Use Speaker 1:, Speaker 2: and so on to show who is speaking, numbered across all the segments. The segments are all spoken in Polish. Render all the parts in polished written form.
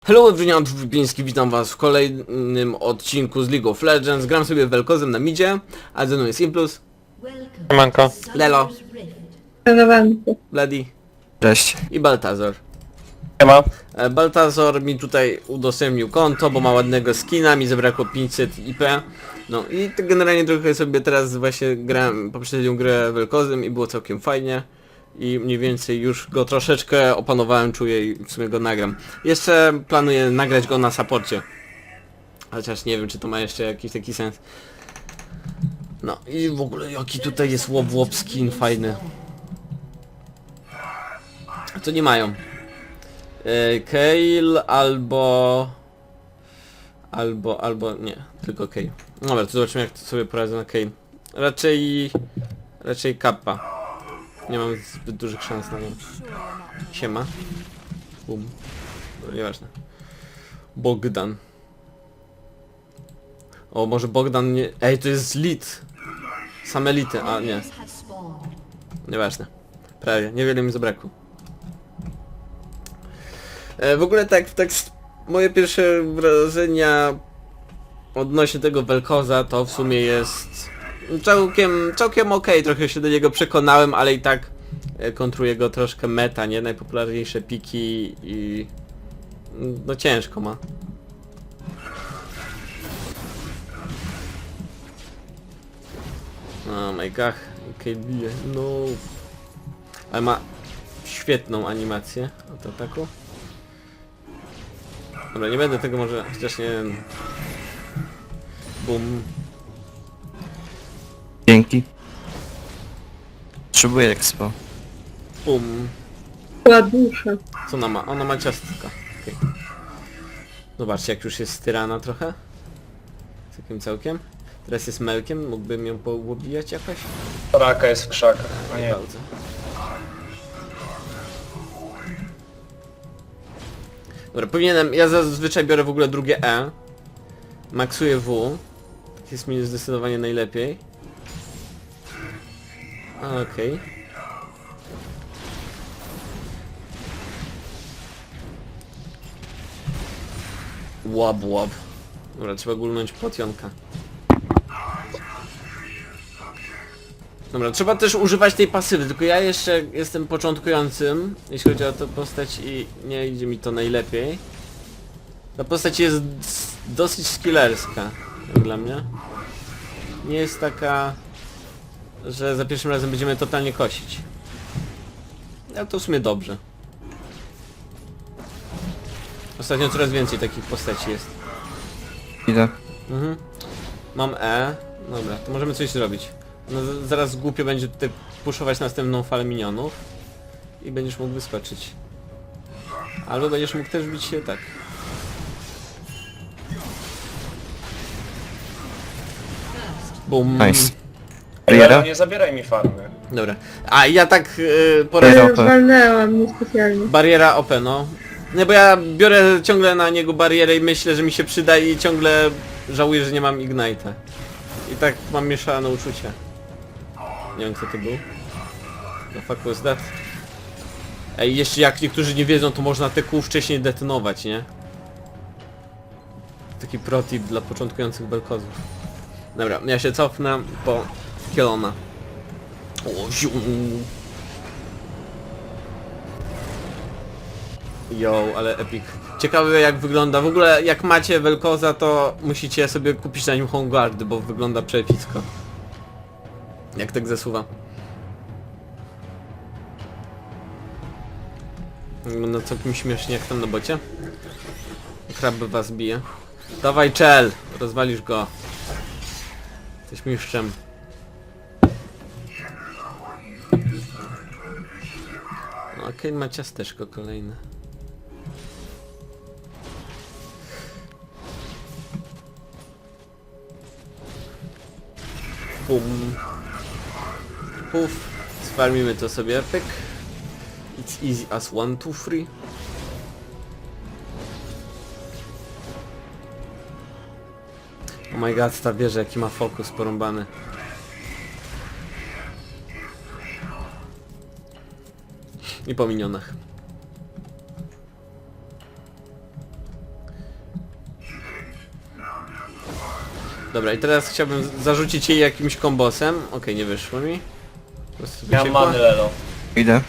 Speaker 1: Hello everyone, Wypiński, witam was w kolejnym odcinku z League of Legends. Gram sobie Vel'Kozem na midzie, a ze mną jest Implus,
Speaker 2: Siemanko.
Speaker 1: Lelo,
Speaker 3: Szanowanko.
Speaker 1: Bloody
Speaker 2: Cześć.
Speaker 1: i Baltazar.
Speaker 2: Siema.
Speaker 1: Baltazar mi tutaj udostępnił konto, bo ma ładnego skina, mi zabrakło 500 IP. No i tak generalnie trochę sobie teraz właśnie grałem poprzednią grę Vel'Kozem i było całkiem fajnie. I mniej więcej już go troszeczkę opanowałem, czuję i w sumie go nagram. Jeszcze planuję nagrać go na supporcie. Chociaż nie wiem, czy to ma jeszcze jakiś taki sens. No i w ogóle jaki tutaj jest łop skin fajny. Co nie mają? Kayle albo nie, tylko Kayle. Dobra, to zobaczymy, jak to sobie poradzę na Kayle. Raczej Kappa. Nie mam zbyt dużych szans na nią. Siema. Bum. No, nieważne. Bogdan. O, może Bogdan nie... Ej, to jest lit. Same elity, a nie. Nieważne. Prawie, niewiele mi zabrakło. W ogóle tak moje pierwsze wrażenia odnośnie tego Vel'Koza to w sumie jest całkiem okej, trochę się do niego przekonałem, ale i tak kontruje go troszkę meta, nie? Najpopularniejsze piki i no ciężko ma. Oh my god, okej, bije, no. Ale ma świetną animację od ataku. Dobra, nie będę tego może, chociaż nie wiem. Bum.
Speaker 2: Dzięki. Potrzebuję expo.
Speaker 1: Bum.
Speaker 3: Ładusza.
Speaker 1: Co ona ma? Ona ma ciastka. Okay. Zobaczcie, jak już jest styrana trochę. Całkiem. Teraz jest Melkiem, mógłbym ją połobijać jakoś?
Speaker 4: Raka jest w krzakach, a
Speaker 1: Nie
Speaker 4: nie.
Speaker 1: bardzo. Dobra, powinienem... Ja zazwyczaj biorę w ogóle drugie E. Maksuję W. Tak jest mi zdecydowanie najlepiej. Okej. Łab. Dobra, trzeba gulnąć potionka. Dobra, trzeba też używać tej pasywy, tylko ja jeszcze jestem początkującym, jeśli chodzi o tę postać i nie idzie mi to najlepiej. Ta postać jest dosyć skillerska, jak dla mnie. Nie jest taka, że za pierwszym razem będziemy totalnie kosić. Ale to w sumie dobrze. Ostatnio coraz więcej takich postaci jest.
Speaker 2: Idę.
Speaker 1: Mhm. Mam E. Dobra, to możemy coś zrobić. No zaraz głupio będzie tutaj puszować następną falę minionów. I będziesz mógł wyskoczyć. Albo będziesz mógł też bić się tak. Bum.
Speaker 2: Nice.
Speaker 4: Lero,
Speaker 2: Bariera?
Speaker 4: nie zabieraj mi farmy.
Speaker 1: Dobra. A ja tak
Speaker 2: Bariera.
Speaker 1: poradzę.
Speaker 2: OP.
Speaker 3: Walnęłam niespecjalnie.
Speaker 1: Bariera OP, no. Nie, bo ja biorę ciągle na niego barierę i myślę, że mi się przyda i ciągle żałuję, że nie mam Ignite'a. I tak mam mieszane uczucia. Nie wiem, kto to był. The fuck was that? Ej, jeszcze jak niektórzy nie wiedzą, to można te kół wcześniej detonować, nie? Taki pro tip dla początkujących Vel'Kozów. Dobra, ja się cofnę po Kielona. O, ziu. Yo, ale epic. Ciekawe jak wygląda. W ogóle jak macie Vel'Koza, to musicie sobie kupić na nim Homeguardy, bo wygląda przeepicko. Jak tak zasuwa. Wygląda całkiem śmiesznie jak tam na bocie. Krab was bije. Dawaj czel! Rozwalisz go. Jesteś mistrzem. No okej, ma ciasteczko kolejne. Bum. Puf. Sfarmimy to sobie, pyk. It's easy as 1, 2, 3. Oh my god, ta wieża jaki ma fokus porąbany. I po minionach. Dobra, i teraz chciałbym zarzucić jej jakimś kombosem. Okej, nie wyszło mi. Po prostu
Speaker 4: Ja mam
Speaker 1: wyciekła.
Speaker 4: many Lelo.
Speaker 2: Idę.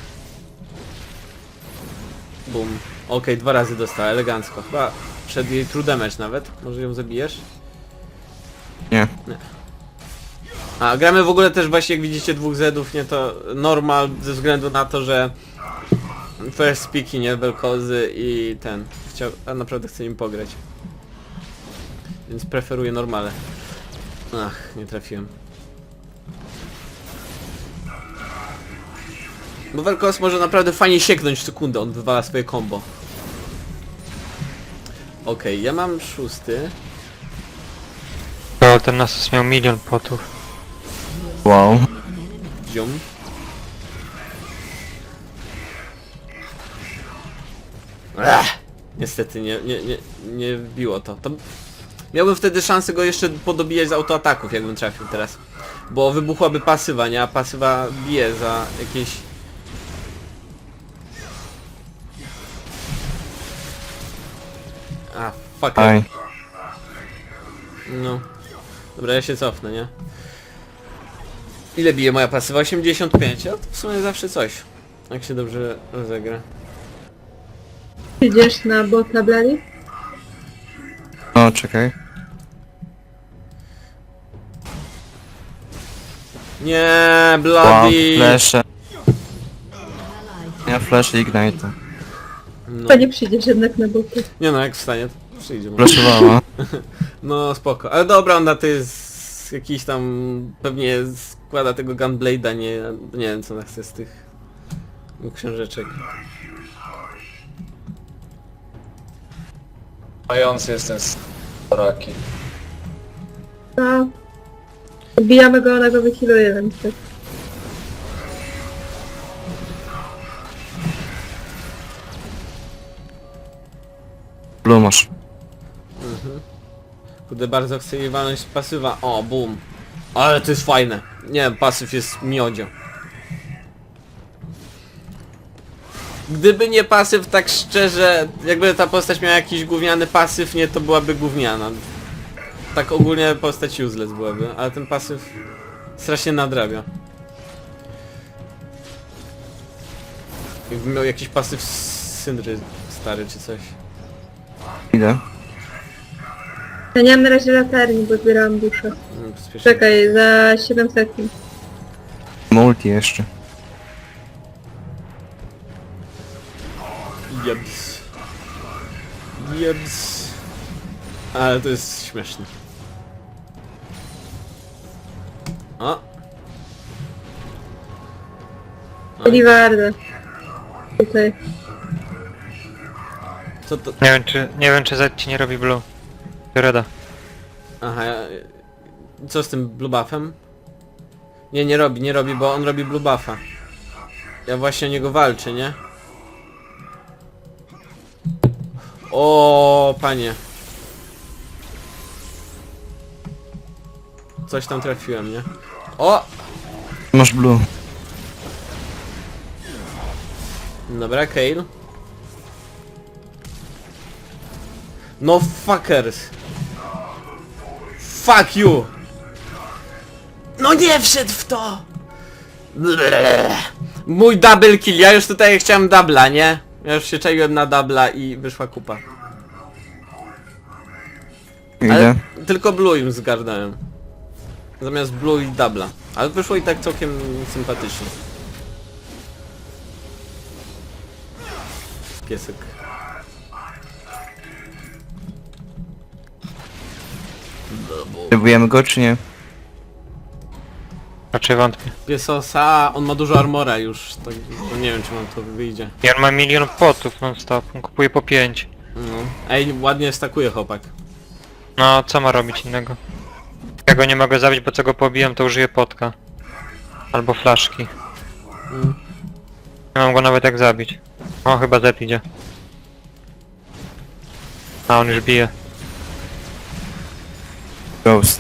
Speaker 1: Bum. Okej, 2 razy dostała, elegancko. Chyba przed jej true damage nawet. Może ją zabijesz?
Speaker 2: Nie.
Speaker 1: A, gramy w ogóle też właśnie, jak widzicie, 2 Zedów, nie to normal, ze względu na to, że first speaki, nie, Vel'Kozy i ten. A naprawdę chcę im pograć. Więc preferuję normale. Ach, nie trafiłem. Bo Vel'Koz może naprawdę fajnie sieknąć w sekundę, on wywala swoje combo. Okej, ja mam 6.
Speaker 5: To ten Nasus miał 1 000 000 potów.
Speaker 2: Wow.
Speaker 1: Ziom. Niestety nie wbiło to. Miałbym wtedy szansę go jeszcze podobijać z autoataków, jakbym trafił teraz. Bo wybuchłaby pasywa, nie? A pasywa bije za jakieś... A, fuck.
Speaker 2: Aj.
Speaker 1: No. Dobra, ja się cofnę, nie? Ile bije moja pasywa? 85, a to w sumie zawsze coś. Jak się dobrze rozegra.
Speaker 3: Idziesz na bota Blady?
Speaker 2: No, czekaj.
Speaker 1: Nie,
Speaker 2: Wow,
Speaker 1: bloody!
Speaker 2: flesze. Ja flash i ignite.
Speaker 1: No.
Speaker 3: To nie przyjdziesz jednak na bota.
Speaker 1: Nie no, jak wstanie, to przyjdzie. może.
Speaker 2: Flashowała.
Speaker 1: No spoko. Ale dobra, ona to jest jakiś tam... Pewnie składa tego Gunblade'a, nie wiem co ona chce z tych książeczek.
Speaker 4: Mający jest ten Soraki.
Speaker 3: No. Bijamy go, ona go wychiluje, więc tak.
Speaker 2: Blue masz.
Speaker 1: Kurde, bardzo chcę jej walnąć z pasywa. O, boom. Ale to jest fajne. Nie wiem, pasyw jest miodzio. Gdyby nie pasyw, tak szczerze, jakby ta postać miała jakiś gówniany pasyw, nie, to byłaby gówniana. Tak ogólnie postać useless byłaby, ale ten pasyw strasznie nadrabia. Jakby miał jakiś pasyw z Syndry stary czy coś.
Speaker 2: Idę.
Speaker 3: Ja nie mam na razie latarni, bo zbierałam duszę.
Speaker 1: Spiesznie.
Speaker 3: Czekaj, za 7 sekund.
Speaker 2: Multi jeszcze.
Speaker 1: Jebs. Jebs. Ale to jest śmieszne. O! Oj,
Speaker 3: Liwarda. Tutaj.
Speaker 1: co to?
Speaker 5: Nie wiem czy Z ci nie robi blue. Reda.
Speaker 1: Aha, co z tym blue buffem? Nie robi, bo on robi blue buffa. Ja właśnie o niego walczę, nie? O, panie. Coś tam trafiłem, nie? O!
Speaker 2: Masz blue.
Speaker 1: Dobra, Kayle. No fuckers. Fuck you! No nie wszedł w to! Bleh. Mój double kill, ja już tutaj chciałem dubla, nie? Ja już się czaiłem na dubla i wyszła kupa.
Speaker 2: Idę.
Speaker 1: Ale tylko blue im zgarnąłem. Zamiast blue i dubla. Ale wyszło i tak całkiem sympatycznie. Piesek.
Speaker 2: Próbujemy go czy nie?
Speaker 5: Raczej wątpię.
Speaker 1: Piesosa, on ma dużo armora już, to nie wiem czy mam to wyjdzie.
Speaker 5: I on ma 1 000 000 potów non stop. On kupuje po 5.
Speaker 1: No. Ej, ładnie stakuje chłopak.
Speaker 5: No co ma robić innego? Ja go nie mogę zabić, bo co go pobijam to użyję potka. Albo flaszki.
Speaker 1: Mm.
Speaker 5: Nie mam go nawet jak zabić. O, chyba Z idzie. A on już bije.
Speaker 2: Ghost.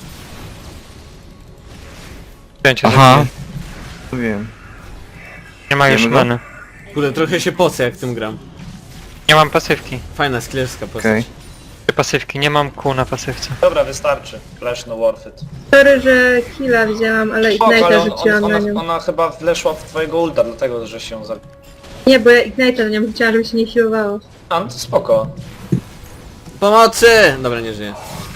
Speaker 5: Kręcie
Speaker 2: Aha.
Speaker 5: zabije.
Speaker 2: Wiem.
Speaker 5: Nie ma już
Speaker 2: Wiemy go?
Speaker 5: many.
Speaker 1: Kurde, trochę się pocę jak tym gram.
Speaker 5: Nie mam pasywki.
Speaker 1: Fajna, sklerska postać.
Speaker 2: Okej.
Speaker 5: Pasywki, nie mam kół na pasywce.
Speaker 4: Dobra, wystarczy. Flash no worth it.
Speaker 3: Sorry, że killa wzięłam, ale
Speaker 4: Spoko, ale
Speaker 3: Ignite'a rzuciłam na nią.
Speaker 4: ona chyba wleszła w twojego ulta, dlatego że się zabiła.
Speaker 3: Nie, bo ja Ignite'a na nią rzuciłam, żeby się nie healowało.
Speaker 4: A, no to spoko.
Speaker 1: Pomocy! Dobra, nie żyje.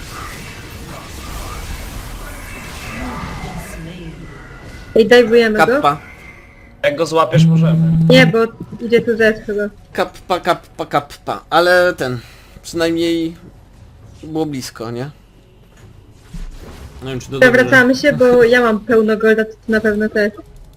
Speaker 3: Ej, dajwujemy go?
Speaker 1: Kappa.
Speaker 4: Jak go złapiesz, możemy.
Speaker 3: Nie, bo idzie tu Z chyba.
Speaker 1: Kappa, kappa, kappa. Ale ten... Przynajmniej... Było blisko, nie? Nie wiem, czy to dobrze.
Speaker 3: Przewracamy się, bo ja mam pełno golda, to ty na pewno też.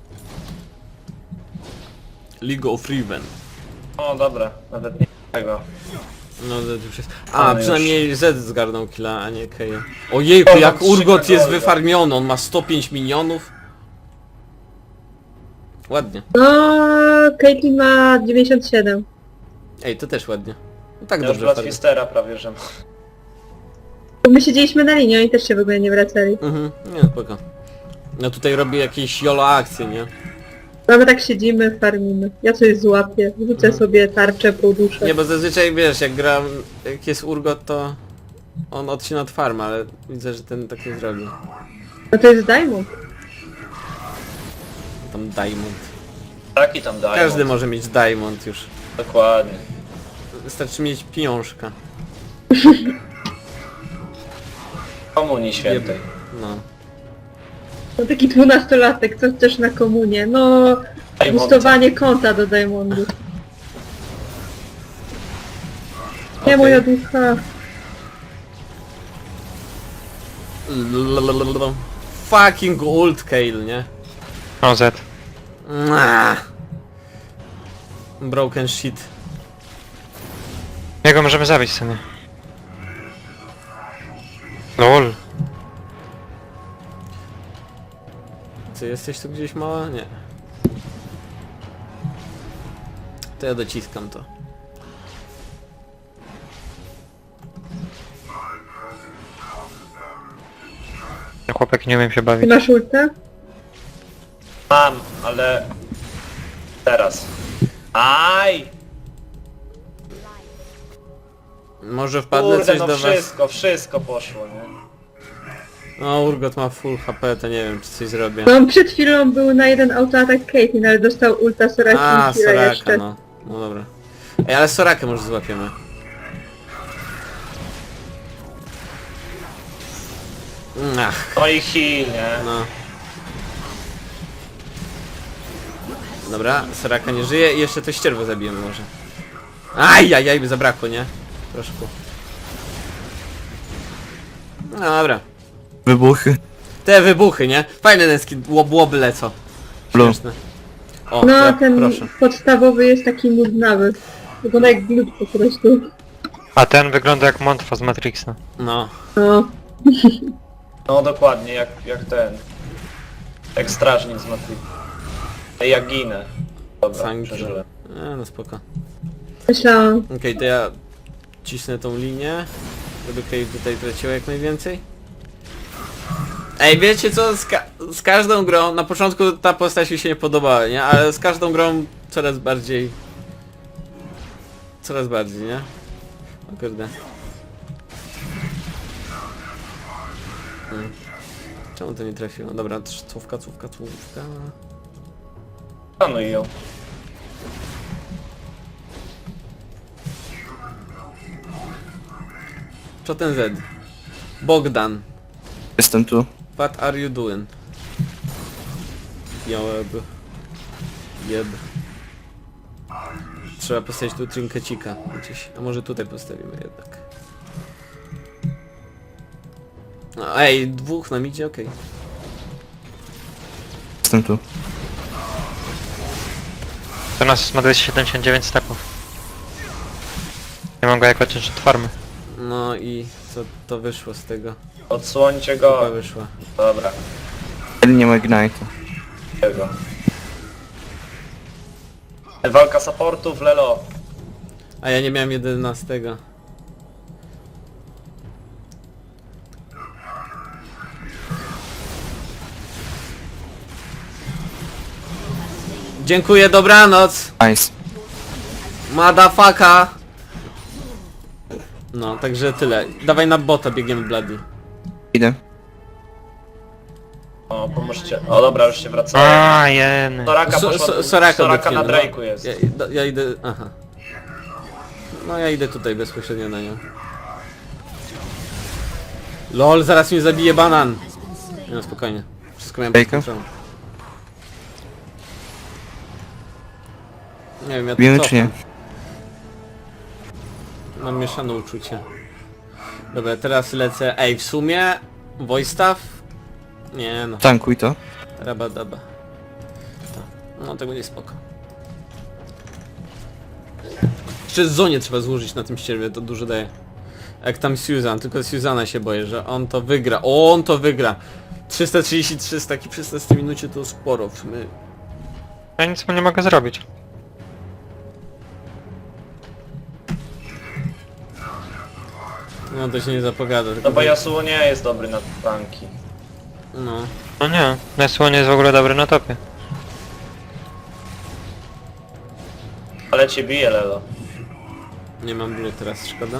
Speaker 1: League of Riven.
Speaker 4: O, dobra, nawet nie tego.
Speaker 1: No to już jest...
Speaker 4: Ale
Speaker 1: A,
Speaker 4: już.
Speaker 1: przynajmniej Z zgarnął killa, a nie Keja. Ojejku,
Speaker 4: O,
Speaker 1: jak
Speaker 4: mam
Speaker 1: Urgot
Speaker 4: 3
Speaker 1: jest
Speaker 4: golda.
Speaker 1: wyfarmiony, on ma 105 minionów. Ładnie.
Speaker 3: No, Caitlyn ma 97.
Speaker 1: Ej, to też ładnie. No tak
Speaker 4: Ja już
Speaker 1: dobrze farmi.
Speaker 4: Bloodfistera prawie, że...
Speaker 3: Bo my siedzieliśmy na linii, oni też się w ogóle nie wracali.
Speaker 1: Mhm, nie, spoko. No tutaj robię jakieś YOLO akcje, nie?
Speaker 3: No my tak siedzimy, farmimy. Ja coś złapię, rzucę sobie tarczę po duszę.
Speaker 1: Nie, bo zazwyczaj wiesz, jak gram, jak jest Urgot, to on odcina od farm, ale widzę, że ten tak nie zrobił.
Speaker 3: No to jest Diamond.
Speaker 1: Tam Diamond.
Speaker 4: Taki tam dają.
Speaker 1: Każdy może mieć Diamond już.
Speaker 4: Dokładnie.
Speaker 1: Wystarczy mieć pieniążka.
Speaker 4: Komunii świętej.
Speaker 1: No.
Speaker 3: No taki 12-latek, co chcesz na komunie? No,
Speaker 4: Diamond.
Speaker 3: gustowanie konta do Diamondu. Nie
Speaker 1: Okej.
Speaker 3: moja ducha.
Speaker 1: Fucking ult Kale, nie?
Speaker 5: O, Z.
Speaker 1: Broken shit.
Speaker 5: Jego możemy zabić sobie. LOL.
Speaker 1: Ty jesteś tu gdzieś mała? Nie. To ja dociskam to.
Speaker 5: Chłopak nie umiem się
Speaker 3: Ty
Speaker 5: bawić.
Speaker 3: masz ulta?
Speaker 4: Mam, ale... Teraz. Aj!
Speaker 1: Może wpadnę
Speaker 4: Kurde,
Speaker 1: coś
Speaker 4: no
Speaker 1: do was.
Speaker 4: wszystko poszło, nie?
Speaker 1: No, Urgot ma full HP, to nie wiem, czy coś zrobię.
Speaker 3: No przed chwilą był na jeden autoatak Caitlyn, ale dostał ulta Soraki
Speaker 1: A,
Speaker 3: i Kira
Speaker 1: Soraka,
Speaker 3: jeszcze.
Speaker 1: no. No dobra. Ej, ale Sorakę może złapiemy. Ach,
Speaker 4: No i heal, nie?
Speaker 1: no. Dobra, Soraka nie żyje i jeszcze to ścierwo zabijemy może. Ajajaj, by zabrakło, nie? Troszkę. No dobra.
Speaker 2: Wybuchy.
Speaker 1: Te wybuchy, nie? Fajne ten skin, łoby lecą.
Speaker 2: Blue.
Speaker 1: Śmieszne. O,
Speaker 3: No
Speaker 1: tak,
Speaker 3: ten
Speaker 1: proszę. podstawowy
Speaker 3: jest taki nudnawy. Wygląda jak glut po prostu.
Speaker 5: A ten wygląda jak Montfa z Matrixa.
Speaker 1: No.
Speaker 3: No.
Speaker 4: No dokładnie, jak ten. Jak strażnik z Matrix. Ej, ja ginę. Dobra,
Speaker 1: Sanki.
Speaker 4: przeżyłem.
Speaker 1: No spoko.
Speaker 3: Myślałam.
Speaker 1: Okej, to ja cisnę tą linię, żeby Kate tutaj traciła jak najwięcej. Ej, wiecie co? Z każdą grą, na początku ta postać mi się nie podobała, nie? Ale z każdą grą coraz bardziej... Coraz bardziej, nie? O kurde. Czemu to nie trafiło? Dobra, cówka.
Speaker 4: Panuj ją.
Speaker 1: Co ten Z? Bogdan.
Speaker 2: Jestem tu.
Speaker 1: What are you doing? Jeb. Trzeba postawić tu trinkecika gdzieś. A może tutaj postawimy jednak. No, ej, dwóch nam idzie, okej.
Speaker 2: Jestem tu.
Speaker 5: To nas ma 279 stepów. Nie mam go jako ciężar od farmy.
Speaker 1: No i co to wyszło z tego?
Speaker 4: Odsłońcie
Speaker 1: Chyba
Speaker 4: go.
Speaker 1: wyszła.
Speaker 4: Dobra,
Speaker 2: Ale nie ma Ignite'a.
Speaker 4: tego. Walka supportów, Lelo.
Speaker 1: A ja nie miałem 11. Dziękuję, dobranoc.
Speaker 2: Nice.
Speaker 1: Madafaka. No, także tyle. Dawaj na bota, biegniemy Bloody.
Speaker 2: Idę.
Speaker 4: O, pomóżcie. O dobra, już się wracają.
Speaker 5: A, jeny.
Speaker 4: Soraka poszła,
Speaker 1: Soraka
Speaker 4: Soraka na
Speaker 1: dotkniemy,
Speaker 4: Drake'u jest.
Speaker 1: Ja idę... aha. No ja idę tutaj bezpośrednio na nią. LOL, zaraz mnie zabije banan. Nie, no spokojnie. Wszystko miałem pod
Speaker 2: Drake'a?
Speaker 1: kontrolą. Nie wiem, ja tu
Speaker 2: Bijemy
Speaker 1: cofam.
Speaker 2: czy nie?
Speaker 1: Mam mieszane uczucie. Dobra, teraz lecę. Ej, w sumie... Voice staff? Nie no.
Speaker 2: Tankuj to.
Speaker 1: Rabadaba. Tak. No tego nie spoko. Jeszcze zonie trzeba złożyć na tym ścierwie, to dużo daje. Jak tam Susan, tylko Susana się boję, że on to wygra. O, on to wygra! 333 z taki przy 16 minucie to sporo. My...
Speaker 5: Ja nic mu nie mogę zrobić.
Speaker 1: No to się nie zapowiada. Tylko
Speaker 4: No bo Yasuo nie jest dobry na tanki.
Speaker 1: No.
Speaker 5: No nie, Yasuo nie jest w ogóle dobry na topie.
Speaker 4: Ale cię bije, Lelo.
Speaker 1: Nie mam blue teraz, szkoda.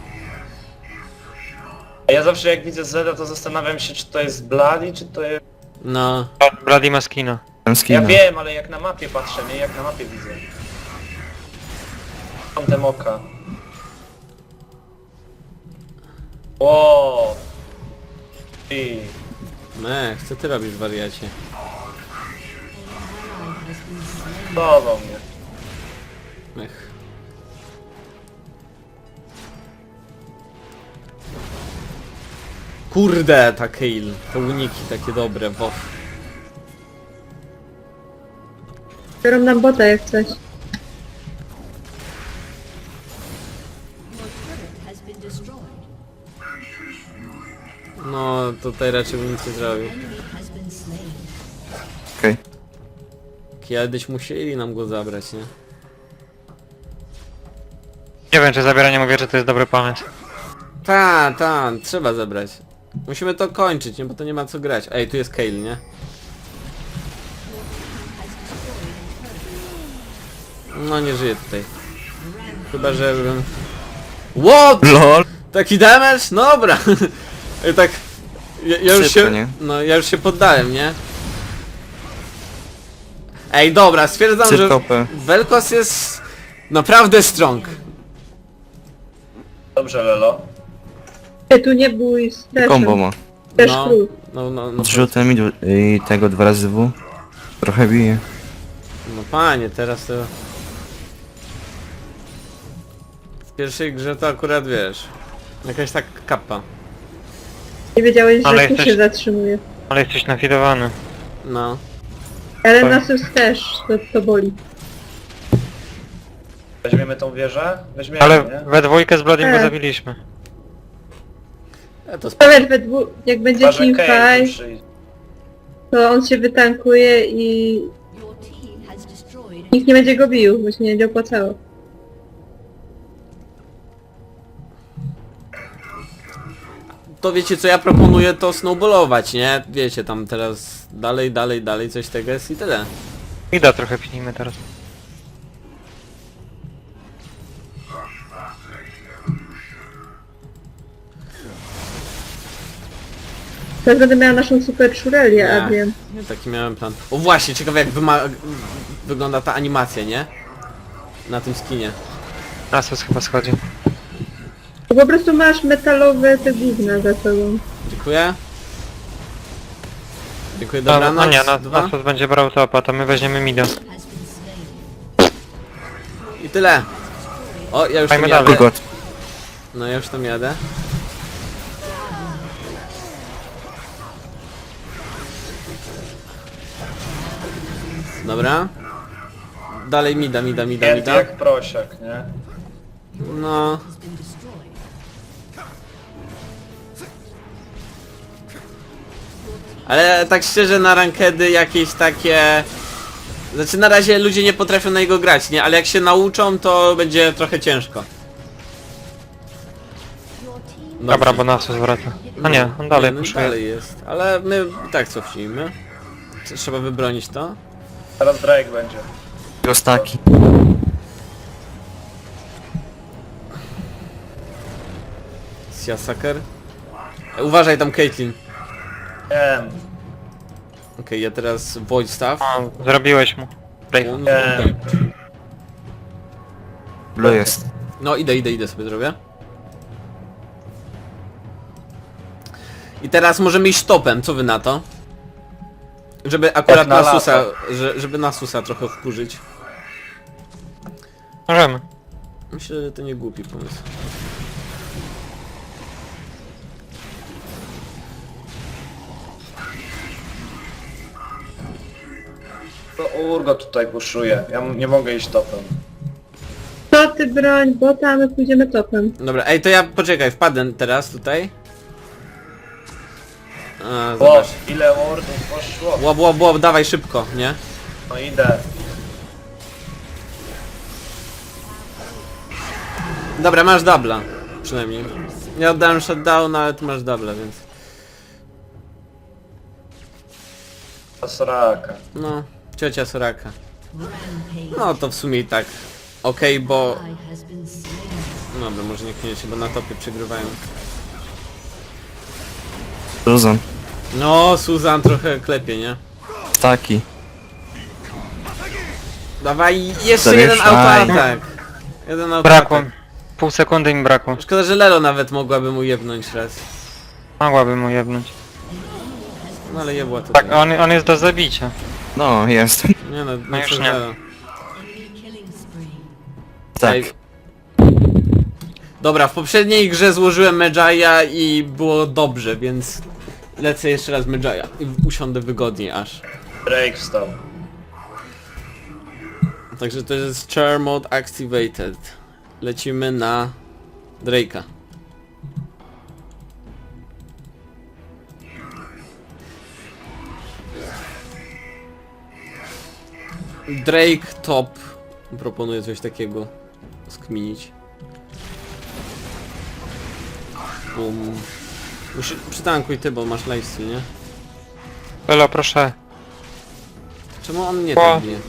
Speaker 4: A ja zawsze jak widzę Zeda, to zastanawiam się, czy to jest Bloody, czy to jest...
Speaker 1: No.
Speaker 5: Bloody ma skina.
Speaker 2: Mam
Speaker 4: Ja
Speaker 2: skina.
Speaker 4: wiem, ale jak na mapie patrzę, nie? Jak na mapie widzę. Kątem oka. Wow. I
Speaker 1: Mech, co ty robisz, wariacie?
Speaker 4: dawał mnie.
Speaker 1: Mech. Kurde, ta Kayle. Te uniki takie dobre, wow.
Speaker 3: Biorą nam bota jak coś.
Speaker 6: has been destroyed.
Speaker 1: No, tutaj raczej bym nic nie zrobił.
Speaker 6: Enemy has been slain.
Speaker 2: Okej.
Speaker 1: Kiedyś musieli nam go zabrać, nie?
Speaker 5: Nie wiem, czy zabieranie mówię, że to jest dobry pomysł.
Speaker 1: Ta, trzeba zabrać. Musimy to kończyć, nie? Bo to nie ma co grać. Ej, tu jest Kayle, nie? No nie żyje tutaj. Chyba, że... What?
Speaker 2: LOL!
Speaker 1: Taki damage? No dobra. I tak... Ja już
Speaker 2: Szybko,
Speaker 1: się...
Speaker 2: nie?
Speaker 1: No, ja już się poddałem, nie? Ej, dobra, stwierdzam, że
Speaker 2: Cyrkopę.
Speaker 1: Vel'Koz jest naprawdę strong.
Speaker 4: Dobrze, Lelo.
Speaker 3: Nie, tu nie bój z
Speaker 2: Combo ma.
Speaker 3: Też
Speaker 1: No,
Speaker 3: król.
Speaker 1: no,
Speaker 2: Zrzutem i tego 2 razy W. Trochę bije.
Speaker 1: no panie, teraz to... W pierwszej grze to akurat wiesz... Jakaś tak kappa.
Speaker 3: Nie wiedziałeś,
Speaker 5: Ale
Speaker 3: że tu
Speaker 5: jesteś-
Speaker 3: się zatrzymuje.
Speaker 5: Ale jesteś nafidowany.
Speaker 1: No.
Speaker 3: Ale
Speaker 5: Tak.
Speaker 3: Nasus też, to boli.
Speaker 4: Weźmiemy tą wieżę? Weźmiemy,
Speaker 5: Ale
Speaker 4: nie?
Speaker 5: we dwójkę z Bloodym go
Speaker 3: Tak.
Speaker 5: zabiliśmy.
Speaker 1: To
Speaker 3: Nawet we dwóch, jak będzie
Speaker 4: Chyba, że Kayle tu
Speaker 3: teamfight,
Speaker 4: przyjdzie.
Speaker 3: to on się wytankuje i
Speaker 6: Your team has destroyed.
Speaker 3: nikt nie będzie go bił, bo się nie będzie opłacało.
Speaker 1: To wiecie co, ja proponuję to snowballować, nie? Wiecie, tam teraz dalej, coś tego jest i tyle.
Speaker 5: Ida trochę pinimy teraz.
Speaker 3: Teraz będę miała naszą super szurelię,
Speaker 1: Nie.
Speaker 3: Adrian.
Speaker 1: Nie, taki miałem plan. O właśnie, ciekawe jak wygląda ta animacja, nie? Na tym skinie.
Speaker 5: Nasus chyba schodzi.
Speaker 3: To po prostu masz metalowe te gówna za sobą.
Speaker 1: Dziękuję. Dziękuję,
Speaker 5: No,
Speaker 1: dobranoc.
Speaker 5: no nie,
Speaker 1: Dwa.
Speaker 5: Nasus będzie brał topa, to my weźmiemy mida.
Speaker 6: Has been slain.
Speaker 1: I tyle. O, ja już tam
Speaker 5: Fajmy
Speaker 1: jadę.
Speaker 5: dalej.
Speaker 2: Ugot.
Speaker 1: No ja już tam jadę. Dobra. Dalej mida.
Speaker 4: Pięty jak prosiak, nie?
Speaker 1: No.
Speaker 6: Has been destroyed.
Speaker 1: Ale tak szczerze na rankedy jakieś takie... Znaczy na razie ludzie nie potrafią na niego grać, nie? Ale jak się nauczą to będzie trochę ciężko.
Speaker 6: Your team
Speaker 1: Dobrze.
Speaker 5: Dobra, bo Nasus wraca. A nie, on dalej
Speaker 1: no
Speaker 5: puszuje.
Speaker 1: dalej jest. Ale my i tak cofnijmy. Trzeba wybronić to.
Speaker 4: Teraz Drake będzie.
Speaker 2: Gostaki.
Speaker 1: Siasaker. Uważaj tam, Caitlyn.
Speaker 4: Wiem.
Speaker 1: Okej, ja teraz Void Staff.
Speaker 5: O, zrobiłeś mu. Break.
Speaker 4: Wiem.
Speaker 2: Blue jest.
Speaker 1: No idę sobie zrobię. I teraz możemy iść topem, co wy na to? Żeby akurat
Speaker 4: Jak na
Speaker 1: Nasusa,
Speaker 4: lato.
Speaker 1: żeby Nasusa trochę wkurzyć.
Speaker 5: Możemy.
Speaker 1: Myślę, że to nie głupi pomysł.
Speaker 4: To Urgo tutaj puszuje. Ja nie mogę iść topem.
Speaker 3: To ty broń, bo tam my pójdziemy topem.
Speaker 1: Dobra, ej, to ja poczekaj, wpadę teraz tutaj. A,
Speaker 4: O,
Speaker 1: zobacz.
Speaker 4: ile wardów poszło.
Speaker 1: Łap, dawaj szybko, nie?
Speaker 4: No idę.
Speaker 1: Dobra, masz dubla. Przynajmniej. Ja oddałem shutdown, ale ty masz dubla, więc...
Speaker 4: Ta Soraka.
Speaker 1: No, ciocia Soraka.
Speaker 6: Rampage.
Speaker 1: No to w sumie i tak. Okej, bo...
Speaker 6: Ally has been slain.
Speaker 1: Dobra, może niekoniecznie, bo na topie przegrywają.
Speaker 2: Susan.
Speaker 1: No, Susan trochę klepie, nie?
Speaker 2: Staki.
Speaker 1: Dawaj, jeszcze
Speaker 2: Zamieszaj.
Speaker 1: jeden autoatak. Jeden autoatak.
Speaker 5: Brakło. Pół sekundy mi brakło.
Speaker 1: Szkoda, że Lelo nawet mogłaby mu jebnąć raz.
Speaker 5: Mogłabym mu jebnąć.
Speaker 1: No ale jebła to.
Speaker 5: Tak, on jest do zabicia.
Speaker 2: No, jest.
Speaker 1: Nie no,
Speaker 5: No już
Speaker 1: przez
Speaker 5: nie.
Speaker 1: Lelo.
Speaker 6: Enemy killing spree.
Speaker 2: Tak.
Speaker 1: Ej. Dobra, w poprzedniej grze złożyłem Medjaya i było dobrze, więc lecę jeszcze raz Medjaya i usiądę wygodniej aż.
Speaker 4: Drake wstał.
Speaker 1: Także to jest Char Mode Activated. Lecimy na Drake'a. Drake top. Proponuję coś takiego skminić. Przytankuj ty, bo masz lifesteal, nie?
Speaker 5: Lelo, proszę.
Speaker 1: Czemu on nie
Speaker 5: O.
Speaker 1: tak bije?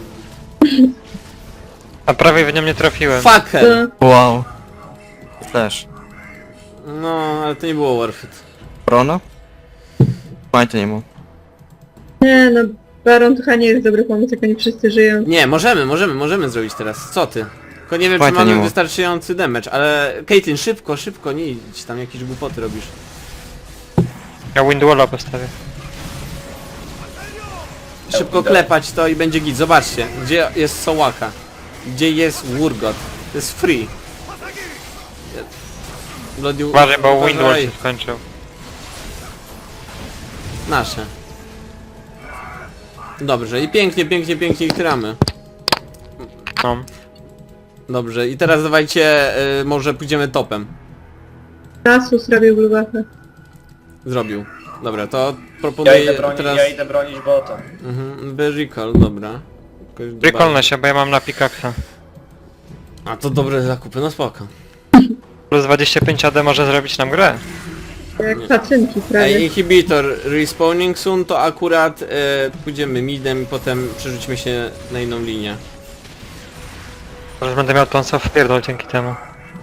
Speaker 5: A prawie w nią nie trafiłem.
Speaker 1: Fucker!
Speaker 2: Wow. Flash.
Speaker 1: No, ale to nie było worth it.
Speaker 2: Brona? Majta nie ma.
Speaker 3: Nie no, Baron to chyba nie jest dobry pomysł, jak oni wszyscy żyją.
Speaker 1: Nie, możemy zrobić teraz. Co ty? Tylko nie wiem, czy
Speaker 2: Fajnie, nie
Speaker 1: mamy
Speaker 2: mów.
Speaker 1: wystarczający damage, ale... Caitlyn, szybko, nie idź tam jakieś głupoty robisz.
Speaker 5: Ja Windwalla postawię.
Speaker 1: Szybko
Speaker 4: idę.
Speaker 1: klepać to i będzie git. Zobaczcie, gdzie jest Sołaka. Gdzie jest Urgot. To jest free. Bloody...
Speaker 5: Uważaj, bo
Speaker 1: uważaj.
Speaker 5: Windwall się skończył.
Speaker 1: Nasze. Dobrze, i pięknie ich gramy.
Speaker 5: No.
Speaker 1: Dobrze, i teraz dawajcie, może pójdziemy topem.
Speaker 3: Nasus robił blubachę.
Speaker 1: Zrobił. Dobra, to
Speaker 4: Ja
Speaker 1: proponuję
Speaker 4: idę bronić,
Speaker 1: teraz...
Speaker 4: ja idę bronić bota.
Speaker 1: Mhm, by recall, dobra. Jakoś
Speaker 5: Recallnę się, bo ja mam na pickaxa.
Speaker 1: A to dobre zakupy, no spoko.
Speaker 5: Plus 25 AD może zrobić nam grę.
Speaker 3: Jak pacynki
Speaker 1: Ej,
Speaker 3: prawie.
Speaker 1: inhibitor respawning soon, to akurat pójdziemy midem i potem przerzućmy się na inną linię.
Speaker 5: Może będę miał tą w pierdol dzięki temu.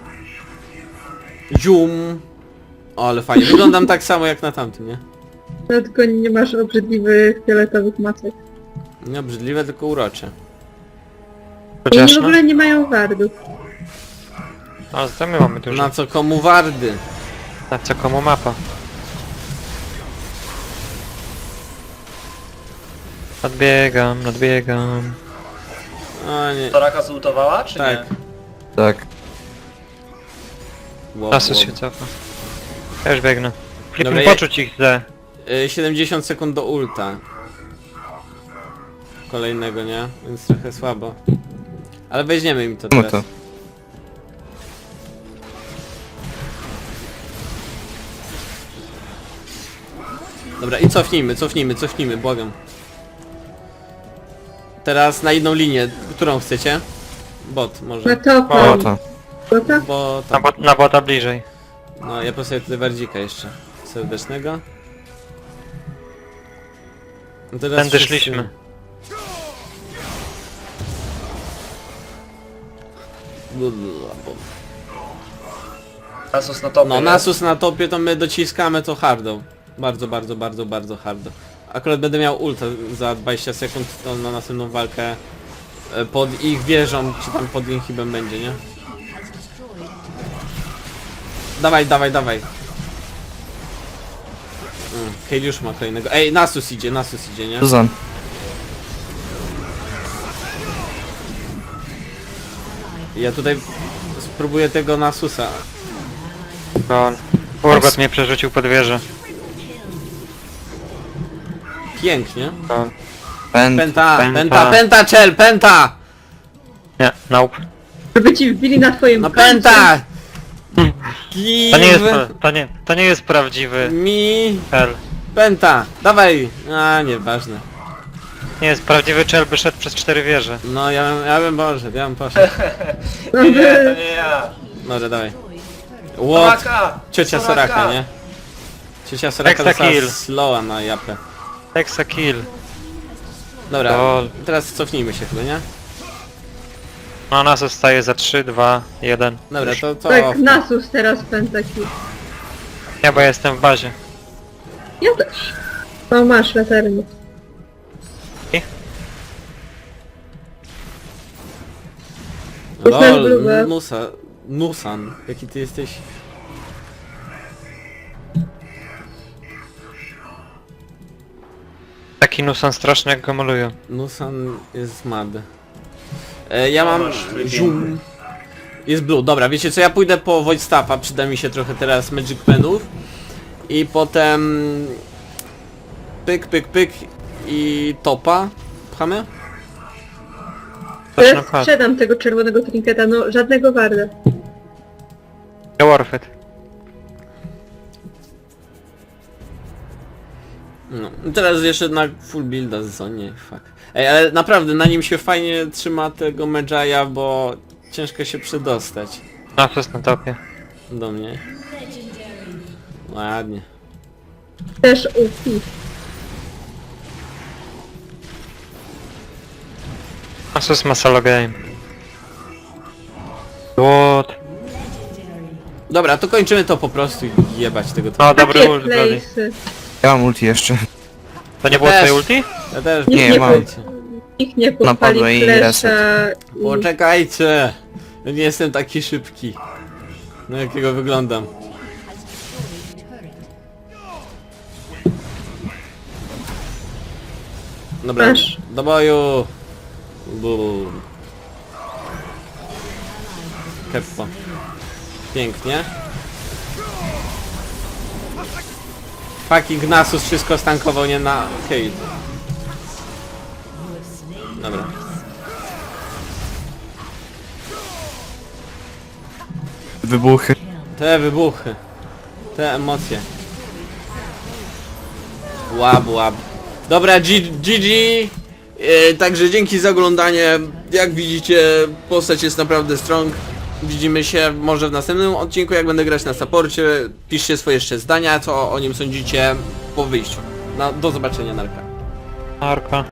Speaker 1: Zium! O, ale fajnie, wyglądam tak samo jak na tamtym, nie?
Speaker 3: No tylko nie masz obrzydliwych fioletowych macek.
Speaker 1: Nie obrzydliwe, tylko urocze.
Speaker 3: I
Speaker 5: Chociaż
Speaker 3: oni w
Speaker 5: no.
Speaker 3: ogóle nie mają wardów.
Speaker 5: A za my mamy dużo.
Speaker 1: Na co komu wardy?
Speaker 5: Na co komu mapa? Nadbiegam.
Speaker 1: O nie,
Speaker 4: Soraka zultowała, czy
Speaker 1: tak.
Speaker 4: nie?
Speaker 2: Tak.
Speaker 1: Wow,
Speaker 5: Nasus
Speaker 1: wow.
Speaker 5: się cofa. Ja już biegnę.
Speaker 1: Dobra,
Speaker 5: Flipin,
Speaker 1: ja-
Speaker 5: poczuć ich źle.
Speaker 1: 70 sekund do ulta. Kolejnego, nie? Więc trochę słabo. Ale weźmiemy im to
Speaker 2: Czemu
Speaker 1: teraz.
Speaker 2: to?
Speaker 1: Dobra, i cofnijmy, błagam. Teraz na jedną linię. Którą chcecie? Bot,
Speaker 3: Na
Speaker 1: może.
Speaker 3: topa.
Speaker 2: O, to.
Speaker 3: Bota?
Speaker 1: Bo
Speaker 5: Na bota bliżej.
Speaker 1: No, ja postawię tutaj Wardzika jeszcze. Serdecznego. No teraz
Speaker 5: Tędy
Speaker 1: wszyscy-
Speaker 5: szliśmy.
Speaker 4: Nasus na topie.
Speaker 1: No,
Speaker 4: jest.
Speaker 1: Nasus na topie to my dociskamy to hardą. Bardzo hardo. Akurat będę miał ulta za 20 sekund to na następną walkę pod ich wieżą, czy tam pod inhibem będzie, nie? Dawaj. Hale już ma kolejnego. Ej, Nasus idzie, nie?
Speaker 2: Suzan.
Speaker 1: Ja tutaj spróbuję tego Nasusa.
Speaker 5: Gol. Urgot mnie przerzucił pod wieżę.
Speaker 1: Pięknie.
Speaker 5: Gol.
Speaker 1: Penta, czel, penta!
Speaker 5: Nie, nope.
Speaker 3: Żeby ci wbili na twoim
Speaker 1: No
Speaker 3: koncie.
Speaker 1: penta!
Speaker 5: To nie jest prawdziwy
Speaker 1: Mi
Speaker 5: czel.
Speaker 1: penta! Dawaj! A, nieważne.
Speaker 5: Nie jest prawdziwy czel, by szedł przez 4 wieże.
Speaker 1: No ja bym poszedł.
Speaker 3: No,
Speaker 4: Nie, to nie ja.
Speaker 1: Dobra, dawaj. What?
Speaker 4: Soraka!
Speaker 1: Ciocia Soraka, nie? Ciocia Soraka
Speaker 5: Hexa
Speaker 1: dostała
Speaker 5: kill.
Speaker 1: slowa na japę.
Speaker 5: Hexa kill.
Speaker 1: Dobra,
Speaker 5: Lol.
Speaker 1: teraz cofnijmy się chyba, nie?
Speaker 5: No nas zostaje za 3, 2, 1.
Speaker 1: Dobra, to
Speaker 3: tak, Nasus teraz pentaki.
Speaker 5: Ja bo ja jestem w bazie.
Speaker 3: Ja też. No masz latarnię.
Speaker 1: LOL,
Speaker 3: Blue.
Speaker 1: Nusan, jaki ty jesteś?
Speaker 5: Taki nusan straszny jak go malują.
Speaker 1: Nusan jest mad. Ja mam
Speaker 4: masz flipping.
Speaker 1: zoom. Jest blue, dobra, wiecie co, ja pójdę po Void Staffa, przyda mi się trochę teraz Magic Penów. I potem... Pyk i topa. Pchamy?
Speaker 5: Zacznę
Speaker 3: Ja
Speaker 5: pchać.
Speaker 3: sprzedam tego czerwonego trinketa, no żadnego warda.
Speaker 5: Ja Warfed.
Speaker 1: No, i teraz jeszcze na full builda z zonie, fuck. Ej, ale naprawdę na nim się fajnie trzyma tego Medjaya, bo ciężko się przedostać
Speaker 5: Nasus na topie.
Speaker 1: do mnie. Ładnie.
Speaker 3: Też UP.
Speaker 5: Nasus ma solo game. What?
Speaker 1: Dobra, to kończymy to po prostu i jebać tego
Speaker 5: No
Speaker 1: typu.
Speaker 5: dobry
Speaker 3: Takie
Speaker 5: ult, Bloody.
Speaker 3: place'y.
Speaker 2: Ja mam ulti jeszcze.
Speaker 5: To nie było
Speaker 1: Też.
Speaker 5: twoje ulti?
Speaker 1: Ja też
Speaker 3: Nie,
Speaker 2: Nie, mam.
Speaker 3: Nikt nie
Speaker 2: Napadła
Speaker 3: podpali
Speaker 2: i
Speaker 3: flesza i...
Speaker 1: Poczekajcie! Ja nie jestem taki szybki. No jakiego wyglądam. Dobra,
Speaker 3: Masz.
Speaker 1: do boju! Bum. Keppo. Pięknie. Fucking Nasus wszystko stankował, nie na Hale. Dobra.
Speaker 2: Wybuchy.
Speaker 1: Te wybuchy. Te emocje. Łab. Dobra, GG. Także dzięki za oglądanie. Jak widzicie, postać jest naprawdę strong. Widzimy się może w następnym odcinku, jak będę grać na supporcie. Piszcie swoje jeszcze zdania, co o nim sądzicie po wyjściu. Do zobaczenia, narka.
Speaker 5: Arka.